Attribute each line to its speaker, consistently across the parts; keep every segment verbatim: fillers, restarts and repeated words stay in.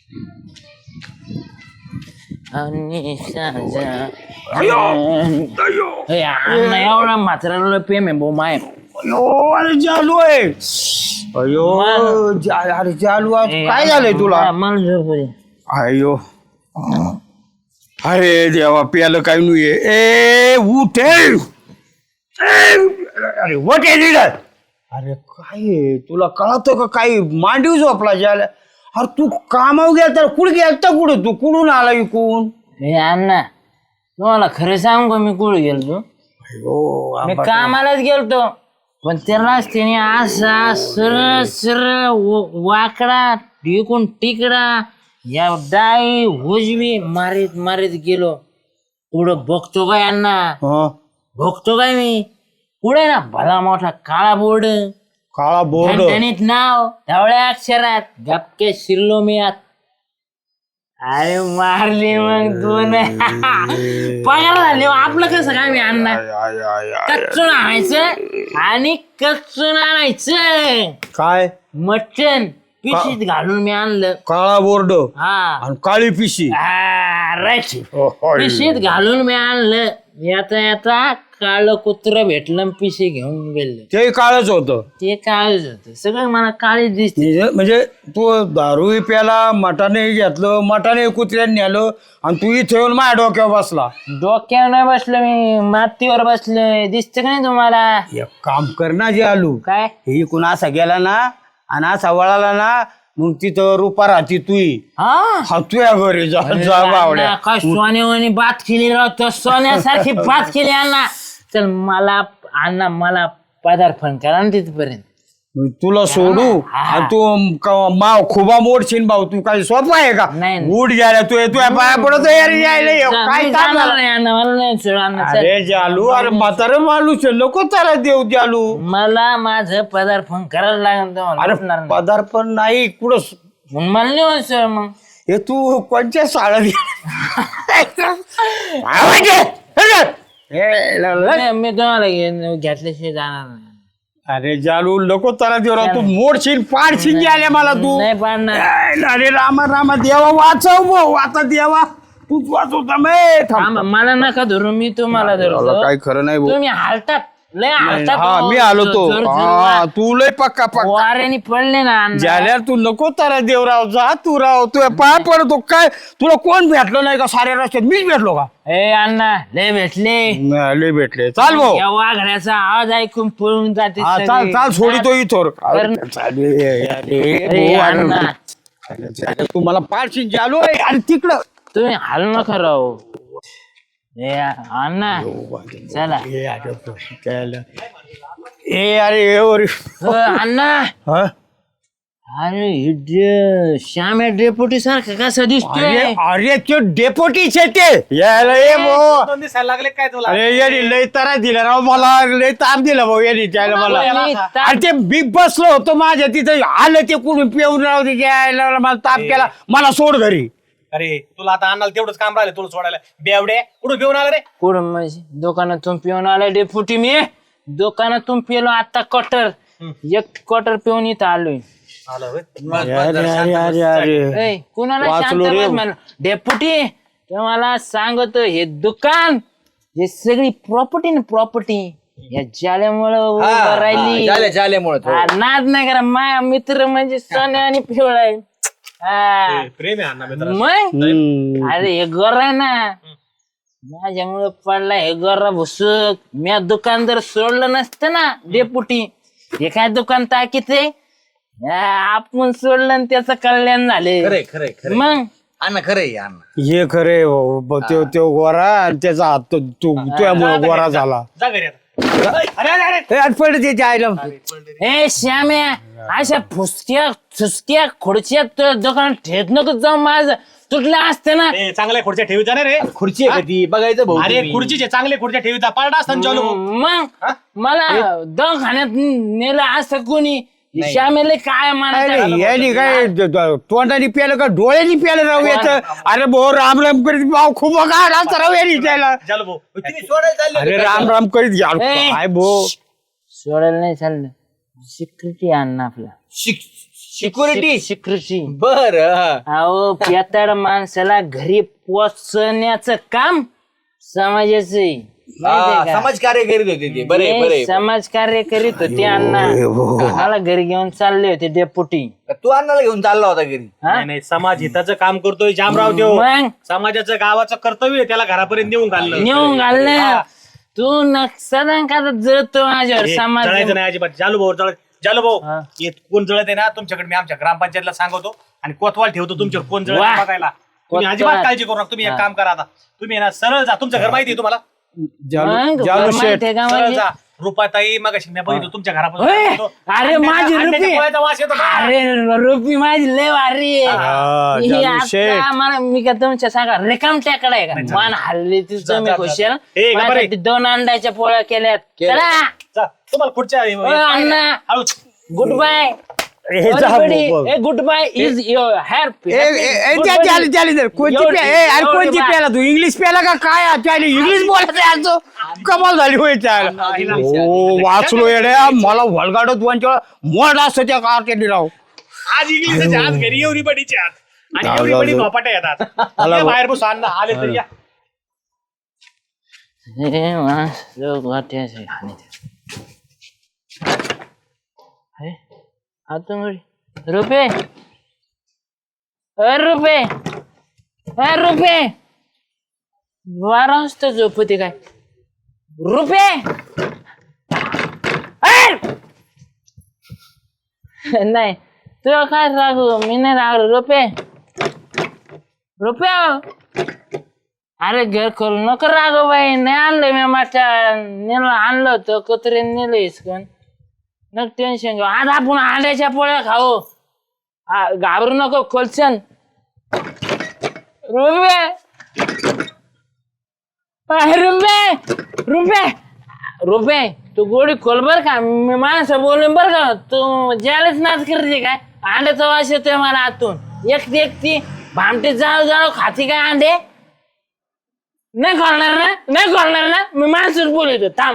Speaker 1: आणि साजा एवढा म्हातारा प्रेम आहे भाऊ माय.
Speaker 2: अयो अरे चालू आहे. अयो जा- अरे चालू आहे. काय झालंय तुला?
Speaker 1: मला झोप दे.
Speaker 2: अयो अरे देवा प्यालं काय नाही. ए उठे अरे वट अरे काय आहे? तुला कळतं का काही मांडीव झोपला ज्याला. अरे तू कामावर गेला तर कुठे गेलता? कुठं तू कुठून आला इकून?
Speaker 1: हे अण्णा तुम्हाला खरं सांगू का मी कुठे गेलतो?
Speaker 2: अयो
Speaker 1: मी कामालाच गेलतो पण त्यालाच त्याने असा सरळ सरळ वाकडा टिकून टिकडा या डाई उजवी मारीत मारीत गेलो. पुढं बघतो काय अण्णा
Speaker 2: हं?
Speaker 1: बघतो काय मी पुढे ना भला मोठा काळा बोर्ड
Speaker 2: काळा बोर्ड
Speaker 1: ठणठणीत नाव ढवळ्या अक्षरात गपके शिरलो मी आत. अरे मारली मग दोन पगार झाले. आपलं कसं काय मी अण्णा कच्चून आणायचं आणि कच्चून आणायचं
Speaker 2: काय
Speaker 1: मटण पिशीत घालून मी आणलं.
Speaker 2: काळा बोर्ड
Speaker 1: हा
Speaker 2: आणि काळी पिशी
Speaker 1: राईट पिशीत घालून मी आणलं. येता येता काळ कुत्र भेटलं आणि पिशी घेऊन गेलं.
Speaker 2: ते काळच होतं.
Speaker 1: ते काळच होत सगळं मला काळीच दिसते.
Speaker 2: म्हणजे म्हणजे तू दारू प्याला मटाने घेतलं मटाने कुत्र्याने नेलं आणि तू इथे येऊन माझ्या डोक्यावर बसला.
Speaker 1: डोक्यावर नाही बसलो मी मातीवर बसलोय. दिसत का नाही तुम्हाला?
Speaker 2: एक काम कर ना जे आलू
Speaker 1: काय
Speaker 2: हे इकून असा गेला ना आणि असा वळाला ना मग तिथं रुपा राहती तुई
Speaker 1: हा
Speaker 2: हा तुया घरी जा जा बावड्या.
Speaker 1: काय सोन्यावानी बात केली राहतो सोन्यासारखी बात केली अण्णा. चल मला अण्णा मला पदार्पण करा ना तिथपर्यंत.
Speaker 2: तुला सोडू आणि तू क- माव खुबा मोडशील भाऊ. तू काही सोपं आहे का?
Speaker 1: नाही.
Speaker 2: उठ गेला तू तुया पाया पडत यायला यायला ये. काय
Speaker 1: मी
Speaker 2: काम
Speaker 1: जाणार
Speaker 2: झालं?
Speaker 1: नाही अण्णा मला नाही सोड अण्णा. चल.
Speaker 2: अरे जालू अरे म्हातारे माणूस आहे, नको त्याला देऊ जालू.
Speaker 1: मला माझं पदार्पण करायला लागेल तुम्हाला.
Speaker 2: अरे
Speaker 1: उठणार नाही.
Speaker 2: पदार्पण नाही कुठं
Speaker 1: मग मला नाही होत सर मग.
Speaker 2: हे तू कोणत्या शाळेत
Speaker 1: नाही, मी तुम्हाला घे- घेतल्याशिवाय जाणार नाही.
Speaker 2: अरे जालू नको त्याला देऊ राव. तू मोडशील पाडशील आल्या मला तू.
Speaker 1: नाही पाडणार.
Speaker 2: अरे रामा रामा देवा वाचव भाऊ आता देवा तूच वाचवता मे
Speaker 1: थांबा, मला नका धरू मी तुम्हाला धरतो.
Speaker 2: काय खरं नाही भाऊ.
Speaker 1: तुम्ही हालतात लय हालतात.
Speaker 2: हा
Speaker 1: हो.
Speaker 2: मी आलो तो
Speaker 1: जोर- जोर-
Speaker 2: हा तू लय पक्का पक्का
Speaker 1: वाऱ्याने पडले ना अण्णा.
Speaker 2: ज्याला तू नको तारा देवराव जा तू राव तू पाय पडतो काय. तुला कोण भेटलो नाही का साऱ्या रस्त्यात? मीच भेटलो का?
Speaker 1: ए अण्णा लय भेटले.
Speaker 2: नाही, लय भेटले. चाल भाऊ.
Speaker 1: या वाघण्याचा आवाज ऐकून पळून जाते
Speaker 2: हा,
Speaker 1: सगळे.
Speaker 2: चाल चाल सोडितो इथोर.
Speaker 1: कर- अरे अण्णा
Speaker 2: तू मला पाडशील जालो आणि तिकडं
Speaker 1: तुम्ही हाल नका राहू. ए अण्णा चला.
Speaker 2: ए अरे ए ओरे.
Speaker 1: हो, अण्णा
Speaker 2: हा?
Speaker 1: अरे हे डे- श्याम या डेपुटी सारखं कसं
Speaker 2: अरे
Speaker 1: दिसतोय?
Speaker 2: अरे ते डेपोटीच आहे ते. यायला ये भाऊ.
Speaker 3: दोन दिसायला लागले काय तुला?
Speaker 2: अरे यांनी लय तारा दिला राव मला. लय ताप दिला भाऊ यांनी त्याला मला.
Speaker 1: मी ता-
Speaker 2: अरे ते मी बसलो होतो माझ्या तिथं आलं ते कुठून पिऊन राव ते यायला मला ताप केला. मला सोड घरी.
Speaker 3: अरे तुला आता आणाल तेवढंच काम राहिलं तुला सोडायला. बेवडे कुठं घेऊन आला रे?
Speaker 1: कुठं म्हणजे दुकानातून पिऊन आला डेपुटी मी. दुकानातून पिलो आता क्वार्टर एक क्वार्टर पिऊन इथं आलोय.
Speaker 3: आलं होय.
Speaker 2: अरे अरे अरे अरे
Speaker 1: ए, कुणाला
Speaker 2: वाचलो
Speaker 1: शांत
Speaker 2: रे.
Speaker 1: बस म्हणलं. डेपुटी तुम्हाला सांगतो हे दुकान हे सगळी प्रॉपर्टी ना प्रॉपर्टी या जाल्यामुळं राहिली. हा, नाद नाही करा. माझा मित्र म्हणजे सोन्या आणि पिवळा आहे. हा.
Speaker 3: प्रेम आहे अण्णा मित्र.
Speaker 1: मग अरे हे गोर आहे ना माझ्यामुळं पडला हे गोरा भुसुक. मी दुकान जर सोडलं नसतं ना डेपुटी हे काय दुकान ताकीत आहे. आपण सोडलं आणि त्याचं कल्याण झाले.
Speaker 3: खरे खरे खरे
Speaker 1: मग
Speaker 3: अण्णा खरे अण्णा.
Speaker 2: हे खरे तो तो गोरा आणि त्याचा हात तो- तू तुझ्यामुळे गोरा झाला.
Speaker 3: जा घरी आता. अरे अरे अरे
Speaker 2: ए, आठवड त्याच्या आईला.
Speaker 1: ए श्याम्या अशा फुसक्या फुसक्या खुर्च्या तुझ्या दुकानात ठेत नको जाऊ. माझं तुटलं असतं ना.
Speaker 3: ए, चांगल्या खुर्च्या ठेवीचा नाही रे.
Speaker 4: खुर्ची आहे कधी बघायचं भाऊ.
Speaker 3: अरे खुर्चीचे चांगले खुर्च्या ठेवीचा पारडा असताना चालू भाऊ.
Speaker 1: मग मला दवाखान्यात नेलं असं कोणी. श्यामेला काय म्हणायचं.
Speaker 2: यांनी काय द- द- तोंडाने प्यालं का डोळ्यानी प्यालं राहू याचं. अरे भाऊ राम राम करीत भाऊ खूप गाडा राहू यांनी त्याला.
Speaker 3: चालू भाऊ.
Speaker 4: तुम्ही सोडायला चालले
Speaker 2: अरे राम राम करीत घ्या
Speaker 1: ए.
Speaker 2: काय भाऊ.
Speaker 1: सोडायला नाही चाललं. सिक्युरिटी आणणं आपला.
Speaker 4: सिक्युरिटी
Speaker 1: सिक्युरिटी
Speaker 4: बर
Speaker 1: अहो पेताड माणसाला घरी पोचण्याचं काम समाजाचं आहे. माहितीये का?
Speaker 4: समाज कार्य करीत होते ते बरे
Speaker 1: हे
Speaker 4: बरे
Speaker 1: समाज कार्य करीत होते अण्णा मला घरी घेऊन चालले होते डेपुटी.
Speaker 4: तू अण्णाला घेऊन चालला होता घरी
Speaker 1: हा?
Speaker 3: नाही नाही समाज हिताचं काम करतोय जामराव देव
Speaker 1: मग
Speaker 3: समाजाचं गावाचं कर्तव्य आहे त्याला घरापर्यंत नेऊन घालणं
Speaker 1: नेऊन घाललं तू नक्षदान का जळतो माझ्यावर
Speaker 3: हे,
Speaker 1: समाज
Speaker 3: जळायचं नाही अजिबात जालू भाऊ जळ जालू भाऊ
Speaker 1: हा.
Speaker 3: हे कोण जळत आहे ना तुमच्याकडे मी आमच्या ग्रामपंचायतला सांगतो आणि कोतवाल ठेवतो तुमच्यावर कोण जळत
Speaker 1: वा.
Speaker 3: आहे बघायला तुम्ही
Speaker 1: कोतवाल.
Speaker 3: अजिबात काळजी करू नका तुम्ही एक काम करा आता तुम्ही आहे ना सरळ जा तुमचं घर माहिती आहे तुम्हाला
Speaker 1: मग
Speaker 2: जालू शेठ
Speaker 1: माहितीये का
Speaker 3: सरळ
Speaker 1: म्हणजे?
Speaker 3: जा रुपाताई मग मी बघितलं तुमच्या
Speaker 1: होय.
Speaker 3: घरापासून
Speaker 1: अरे माझी
Speaker 3: अंड्याच्या
Speaker 1: रुपी
Speaker 3: पोळ्याचा वास येतो का?
Speaker 1: अरे रुपी माझी लय भारी आहे.
Speaker 2: हा,
Speaker 1: ही
Speaker 2: जालू
Speaker 1: आता
Speaker 2: शेठ.
Speaker 1: मला मी का तुमच्या सांगा रिकाम टेकडा आहे का मान हल्ली ती
Speaker 3: जा,
Speaker 1: तुम्ही
Speaker 3: जा,
Speaker 1: खुशाल
Speaker 3: जा. ए, गप्पा रे.
Speaker 1: माझ्यासाठी दोन अंड्याच्या पोळ्या केल्यात चला
Speaker 3: जा, तुम्हाला पुढच्या
Speaker 1: ओ, अण्णा
Speaker 3: हळूच
Speaker 1: गुड बाय
Speaker 2: ए, जा भाऊ.
Speaker 1: Good bye is your happy
Speaker 2: ए, ए, ए, त्या- त्याला- त्याला दे. कोणती
Speaker 1: एवढी-
Speaker 2: प्या- ए, अरे
Speaker 1: एवढी
Speaker 2: कोणती
Speaker 1: बाय.
Speaker 2: प्याला तू इंग्लिश प्याला का काय त्याला इंग्लिश बोलायचं आहे आज. कमाल झाली होय त्याला हो वाचलो येड्या मला वळगाडत वंचळ मोड असतं त्या कारकेली राव
Speaker 3: आज इंग्लिशचे आज घरी एवढी बडीचे आज आणि
Speaker 2: जाऊ,
Speaker 3: एवढी
Speaker 2: जाऊ,
Speaker 3: बडी
Speaker 2: जाऊ.
Speaker 3: झोपाट्या येतात
Speaker 2: मला
Speaker 3: ये
Speaker 2: बघ.
Speaker 3: बाहेर बसू अण्णा आले तरी या
Speaker 1: रुपये रुपये रुपये बारा वाजता झोपते काय रुपये नाही तुला काय रागू मी नाही रागलो रुपये रुपये अरे घर करू नको रागो बाई नाही आणलं मी माझ्या नेलं आणलं होतं कुत्रे नेलं इसकन न टेन्शन घेऊ आज आपण अंड्याच्या पोळ्या खाऊ आ, घाबरू नको खोलशन रुपये रुपये रुपये रुपये तू गोडी खोल बर का मी माणसं बोलून बर का तू ज्यालाच नाच करते काय अंड्याचा वास येतोय मला आतून एकटी एकटी भामटे जाळू जाळू खाती काय अंडे नाही खोलणार ना नाही खोलणार ना मी माणसच बोलतो थांब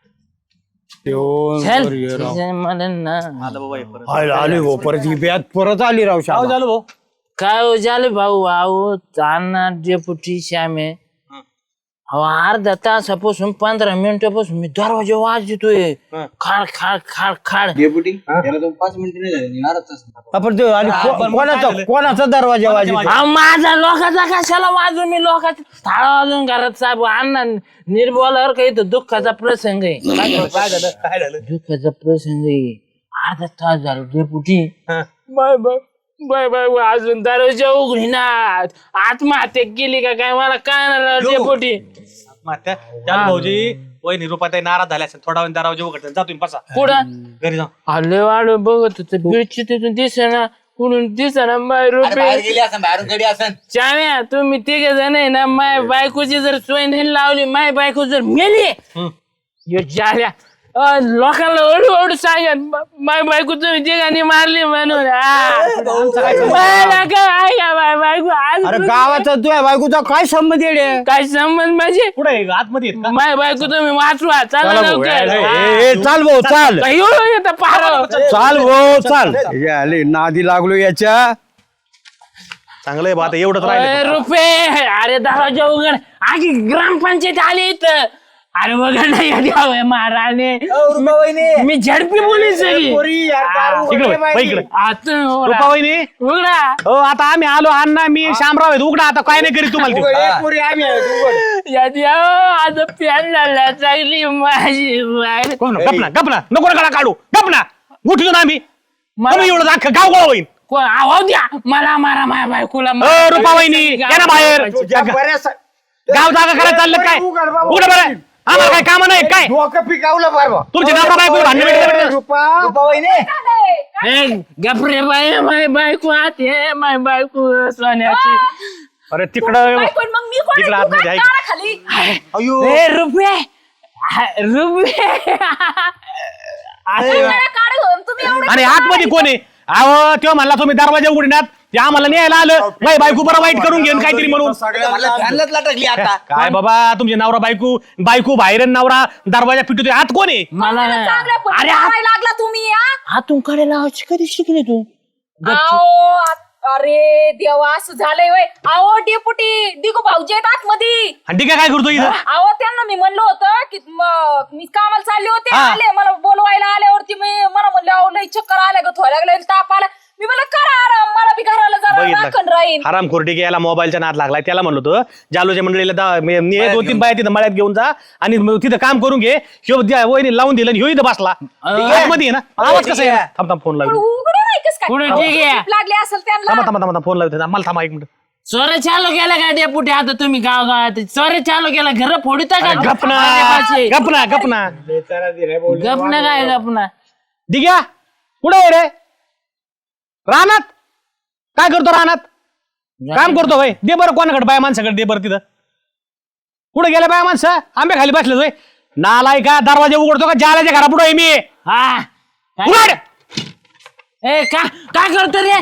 Speaker 1: चल. मला ना
Speaker 3: आलं बाबा हे परत.
Speaker 2: आले आले भाऊ परत ही ब्यात परत आली राव
Speaker 3: अहो,
Speaker 2: शाला.
Speaker 3: झालं भाऊ
Speaker 1: काय हो झालं भाऊ आहो ताना डेपुटी श्यामे अहो अर्धा तासापासून पंधरा मिनिटापासून मी दरवाजा वाजतोय खाड खाड खाड खाड
Speaker 4: डेपुटी त्याला तो पाच मिनिटं नाही झाले अर्धा तास
Speaker 2: आपण ते आणि को-
Speaker 3: पण मग
Speaker 2: कोणाचा
Speaker 3: काय झालं?
Speaker 2: कोणाचा दरवाजा वाजतो
Speaker 1: अहो माझा लोकांचा कशाला वाजून मी लोकांचा थाळा वाजून घरात साहेब अण्णा निर्बोलावर काही तर दुःखाचा प्रसंग आहे
Speaker 3: काय झालं काय झालं काय झालं
Speaker 1: दुःखाचा प्रसंग आहे अर्धा तास झाला डेपुटी
Speaker 3: हा.
Speaker 1: बाय बाय बाय बाय अजून दरवाजा उघडी ना आत्महत्या केली का काय मला काय नाही डेपुटी
Speaker 3: मात्या त्याला भाऊजी वहिनी रुपाताई नाराज झाल्या असेल थोडा वेळ दरवाजा उघडतात जा तुम्ही बसा
Speaker 1: कुठं
Speaker 3: घरी जा
Speaker 1: आले वाढ बघत होत बिळची तिथून दिसेना कुठून दिसेना माय
Speaker 4: अरे बाहेर
Speaker 1: रुपये
Speaker 4: गेली असं बाहेरून गडी असं
Speaker 1: चाव्या तुम्ही तिघे जण आहे ना माय बायकोची जर सोय नाही लावली माय बायको जर मेली यो जाल्या अ, लोकांना ओढू ओढू सांगत माय बायको तुम्ही तिघांनी मारली म्हणून आ. मला काय ऐका माय बायको आज
Speaker 2: अरे गावाचा तुझ्या बायकोचा काय संबंध येडे
Speaker 1: काय संबंध माझे
Speaker 3: पुढे आतमध्ये आहेत का?
Speaker 1: माय बायको तुम्ही वाचवा चला
Speaker 2: चला भाऊ,
Speaker 1: लवकर
Speaker 2: ए,
Speaker 1: आ.
Speaker 2: ए, चाल भाऊ चाल
Speaker 1: काय एवढं येतं पार
Speaker 2: चाल भाऊ चाल हे आले नादी लागलो याच्या
Speaker 3: चांगलं आहे बा आता एवढंच
Speaker 1: अरे
Speaker 3: राहिलं
Speaker 1: रुपये अरे दरवाजा उघड आधी ग्रामपंचायत आली इथं अरे वगैरे नाही द्यावं महाराणे मी झडपी पोलीस आहे.
Speaker 3: इकडे वळ, वळ इकडे
Speaker 1: आतून
Speaker 3: रुपा वहिनी
Speaker 1: उघडा
Speaker 3: हो आता आम्ही आलो अण्णा मी शामराव आहेत उघडा आता काय नाही करीत तुम्हाला ते.
Speaker 1: यात यावं, आता प्यान लागला चांगली माझी बाहेर.
Speaker 3: कोण गपना गपना नको नका काढू गपना उठलो ना आम्ही
Speaker 1: मला-
Speaker 3: आम्ही एवढं अख्खं गाव गोळा होईल
Speaker 1: कोण आवाज द्या मला मारा माझ्या बायकोला
Speaker 3: अ, रुपा वहिनी या ना बाहेर गाव जागा करायला चाललं काय उघड बरं आम्हाला काय काम नाही काय
Speaker 2: डोकं पिकावलं बरं
Speaker 3: तुमचे नवरा बायको भांडण भेटले
Speaker 1: ए, गपरे बाय माय बायको आत हे माय बायको सोन्याची
Speaker 3: अरे तिकडं
Speaker 5: पण मग मी कोण
Speaker 3: इकडं
Speaker 5: आहे? तू
Speaker 3: आतमध्ये
Speaker 5: काय
Speaker 3: आहे.
Speaker 5: दारा खाली
Speaker 1: ए रुपये हा, रुपये
Speaker 5: मला काढ घेऊन तुम्ही एवढं
Speaker 3: आणि आतमध्ये कोण आहे अहो तेव्हा म्हणला तुम्ही दरवाजा उघडण्यात ते आम्हाला न्यायला आलं बाई बायको बरं वाईट करून घेऊन काहीतरी म्हणून
Speaker 4: फॅनलाच लटकली आता
Speaker 3: काय बाबा तुमचे नवरा बायको बायको बाहेर आणि नवरा दरवाजा पिटू आत कोण आहे
Speaker 1: मला
Speaker 5: चांगल्या
Speaker 1: अरे
Speaker 5: लागला तुम्ही हा?
Speaker 1: हातून कडे लावायची कधी शिकले तू
Speaker 5: आओ अरे देवा असं झालंय वय आओ डेपुटी दिगू भाऊजी आहेत आतमध्ये.
Speaker 3: आणि ठीक आहे काय करतो इथं
Speaker 5: अहो त्यांना मी म्हणलं होतं की म- मी कामाला चालले होते
Speaker 3: हा.
Speaker 5: आले मला बोलवायला आल्यावरती मी मला म्हणलं अहो लई चक्कर आल्या ग थोड्या लागलं ताप आला मी मला करा आराम मला बी घराला जरा राखण राहीन.
Speaker 3: हराम खोरटी याला मोबाईलचा नाद लागलाय त्याला म्हणलो होतो जालोच्या मंडळीला दा- मी- मी दोन तीन बाया तिथं मळ्यात घेऊन जा आणि मग तिथं काम करून घे ह्यो द्या- वहिनी लावून दिलं आणि ह्यो इथं बसला मध्ये ना आवाज कसा आहे थांब थांब फोन
Speaker 5: पण
Speaker 3: लावतो
Speaker 5: उघडं नाही कस काय
Speaker 1: पुढे
Speaker 5: अहो,
Speaker 1: ठीक आहे.
Speaker 5: झोप लागली असेल
Speaker 3: थांबा
Speaker 5: त्यांना.
Speaker 3: थांबा थांबा फोन लावतो मला थांबा एक मिनिट
Speaker 1: चोर चालू केला का डेपुटी आता तुम्ही गाव गावात चोर चालू केला घर फोडता का
Speaker 3: गपना गपना गपना
Speaker 1: गपना काय गपना
Speaker 3: दिग्या कुठे आहे रे रानात काय करतो रानात काम करतो भाई दे बरं कोणाकडे बाय माणसाकडे दे बरं तिथं कुठे गेले बाय माणसं आंबे खाली बसले होय नालाय का दरवाजा उघडतो का जाल्याच्या घरा पुढे मी
Speaker 1: हा काय-
Speaker 3: उघड
Speaker 1: ए का काय करतो रे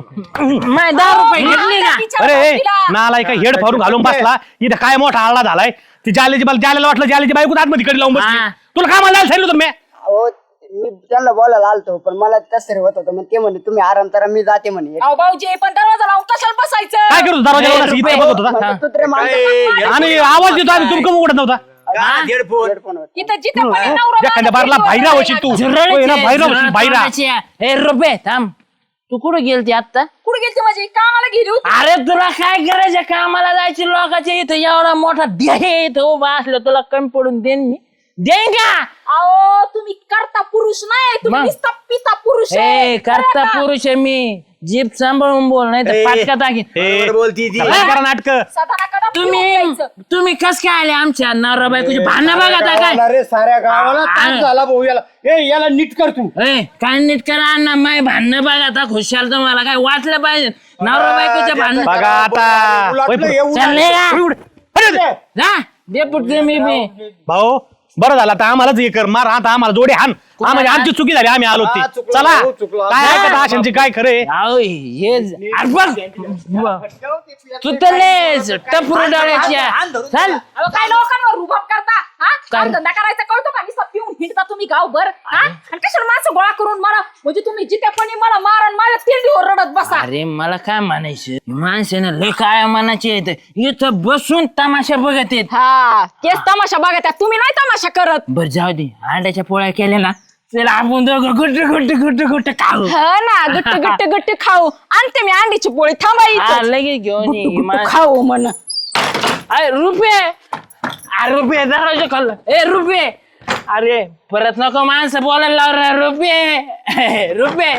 Speaker 1: माय दहा रुपये घेतली का
Speaker 5: तिच्या
Speaker 3: अरे ए,
Speaker 5: भाऊजीला.
Speaker 3: नालाय का हेड फारून घालून बसला इथं काय मोठा आळा झालाय ती जाल्याची मला जाल्याला वाटलं जाल्याची बायको आतमध्ये कडे लावून बसली
Speaker 1: हा.
Speaker 3: तुला काय मला सांगितलं होतं मी
Speaker 6: अहो मी त्यांना बोलायला आलतो पण मला कसं रे होत होतं मग ते म्हणे तुम्ही आराम करा मी जाते म्हणे
Speaker 5: अहो भाऊजी पण दरवाजा लावून कशाला बसायचं.
Speaker 3: काय करतो दरवाजा लावून इथे बघत होता
Speaker 6: म्हणलं, तू तरी माणसं
Speaker 3: आणि आवाज देतो आम्ही तुमकं उघडत नव्हता
Speaker 4: हेडफोन
Speaker 6: हेडफोनवर.
Speaker 5: इथं जिथं पण नवरा
Speaker 3: एखाद्या
Speaker 5: बायको
Speaker 3: बारला
Speaker 5: भेटू
Speaker 3: बाहेर होशील तू
Speaker 1: झुरळीचे,
Speaker 3: होय ना, बाहेर होशील
Speaker 1: झुरळ
Speaker 3: बाहेर
Speaker 1: तोंडाचे. ए रुपये थांब तू कुठं गेलती आता
Speaker 5: कुठे गेलती माझी कामाला गेली होती.
Speaker 1: अरे तुला काय करायचं कामाला जायची लोकांच्या इथं एवढा मोठा ध्येय इथं उभा असलं तुला कमी पडून देईन मी देईन का
Speaker 5: अहो तुम्ही करता पुरुष नाही तुम्ही
Speaker 1: मग?
Speaker 5: नुसता पिता पुरुष आहे.
Speaker 1: ए करता
Speaker 5: कळलं का?
Speaker 1: पुरुष आहे मी जीप सांभाळून बोल नाही तर पाटका टाकीन
Speaker 3: ए,
Speaker 4: बोलती ती
Speaker 3: चला करा नाटक
Speaker 5: सदानाकडं पिऊन
Speaker 1: तुम्ही
Speaker 5: यायचं.
Speaker 1: तुम्ही कस काय आले आमच्या नवरा बायकोची भांडणं बघा आता काय
Speaker 2: गावाला रे साऱ्या गावाला
Speaker 1: आ-
Speaker 2: ताप झाला भाऊ याला ए याला नीट कर तू
Speaker 1: ए काय नीट करा अण्णा माय भांडणं बघा आता खुशाल तुम्हाला काय वाटलं पाहिजे नवरा बायकोच्या भांडणं
Speaker 3: बघा आता
Speaker 2: उलटलं
Speaker 3: होय,
Speaker 2: येऊ
Speaker 1: चालले का
Speaker 3: उड. अरे,
Speaker 1: जा डेपुट मी मी
Speaker 3: भाऊ बरं झालं आता आम्हालाच हे कर मार आता आम्हाला जोडे हान आम्हाला आमची चुकी झाली आम्ही आलो
Speaker 2: हा,
Speaker 3: ते
Speaker 2: चुकलो,
Speaker 3: चला
Speaker 2: हो, चुकलो.
Speaker 3: काय ऐकत आशांची काय खरे
Speaker 1: अहो, हे ज- अरे बघ तू तर लयच टपरू डोळ्याच्या चल
Speaker 5: अहो, काय लोकांवर रुबाब करता हा काम धंदा करायचा कळतो का नुसता पिऊन हिंडता तुम्ही गावभर हा आणि कशाला माणसं गोळा करून मला म्हणजे तुम्ही जिथेपणी मला मारण माझ्या तिरडीवर रडत बसा.
Speaker 1: अरे मला काय म्हणायचं माणसानं लय काय म्हणायचे येत इथं बसून तमाशा बघत येत
Speaker 5: हा तेच तमाशा बघा त्या तुम्ही नाही तमाशा करत.
Speaker 1: बर जाऊ दे अंड्याच्या पोळ्या केल्या ना चला आपण दोघं गुट्ट गुट्ट गुट्ट गुट्ट खाऊ
Speaker 5: ह ना गुट्ट गुट्ट गुट्ट खाऊ आणते मी अंडीची पोळी
Speaker 1: हा,
Speaker 5: थांबायची
Speaker 1: लगेच घेऊन ये. मा-
Speaker 5: खाऊ म्हण.
Speaker 1: अरे रुपये अरे रुपये दरवाजा खाल्लं ए रुपये अरे परत नको माणसं बोलायला लाव रे रुपये रुपये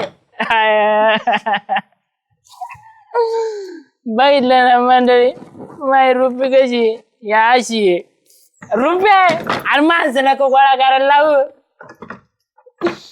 Speaker 1: बघितलं ना मंडळी माय रुपये कशी या अशी आहे. रुपये अरे माणसं नको गोळा करायला लावू